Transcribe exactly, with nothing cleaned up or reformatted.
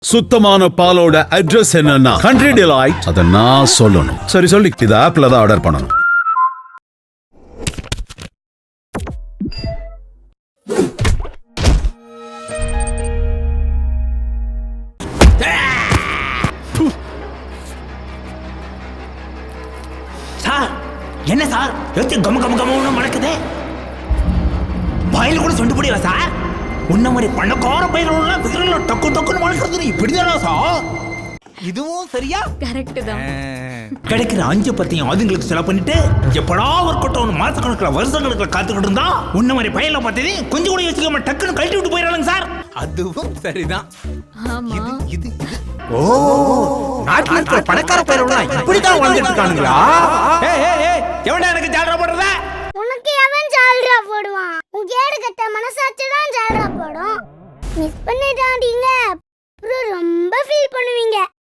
சுத்தமான பாலோட அட்ரஸ் என்னன்னா கண்ட்ரி டிலைட். அத நான் சொல்லணும். சரி சொல்லி இது ஆப்ல தான் ஆர்டர் பண்ணணும். சார் என்ன சார் எத்தி கம கம கமன்னு மணக்குது. பயில கூட சொண்டு போடியா சார்? உன்ன மாதிரி பணக்கார பயிரெல்லாம் விரல டக்கு டக்குன்னு வளர்க்கறது இப்படிதானா சார்? இதுவும் சரியா? கரெக்ட் தான். கிடைக்கிற அஞ்சு பத்தையும் அதுங்களுக்கு செலவு பண்ணிட்டு எப்படா ஒரு கொட்டவன் மாச கணக்கில் வருஷ கணக்கில் காத்துக்கிட்டு இருந்தா உன்ன மாதிரி பயில பார்த்ததே கொஞ்சம் கூட யோசிக்காம டக்குன்னு கழட்டி விட்டு போயிடறாங்க சார். அதுவும் சரிதான். ஆமா. இது இது ஓ நாட்டுல இருக்கிற பணக்கார பயிரெல்லாம் இப்படிதான் வாழ்ந்துட்டு இருக்கானுங்களா? ஏய் ஏய் ஏய் எவன்டா எனக்கு ஜால்ரா போடுறத? உனக்கு எவன் ஜால்ரா போடுவான்? உன் கேடு கட்ட மனசாட்சி தான் ஜால்ரா போடும். மிஸ் பண்ணிட்டாண்டீங்க, அப்புறம் ரொம்ப ஃபீல் பண்ணுவீங்க.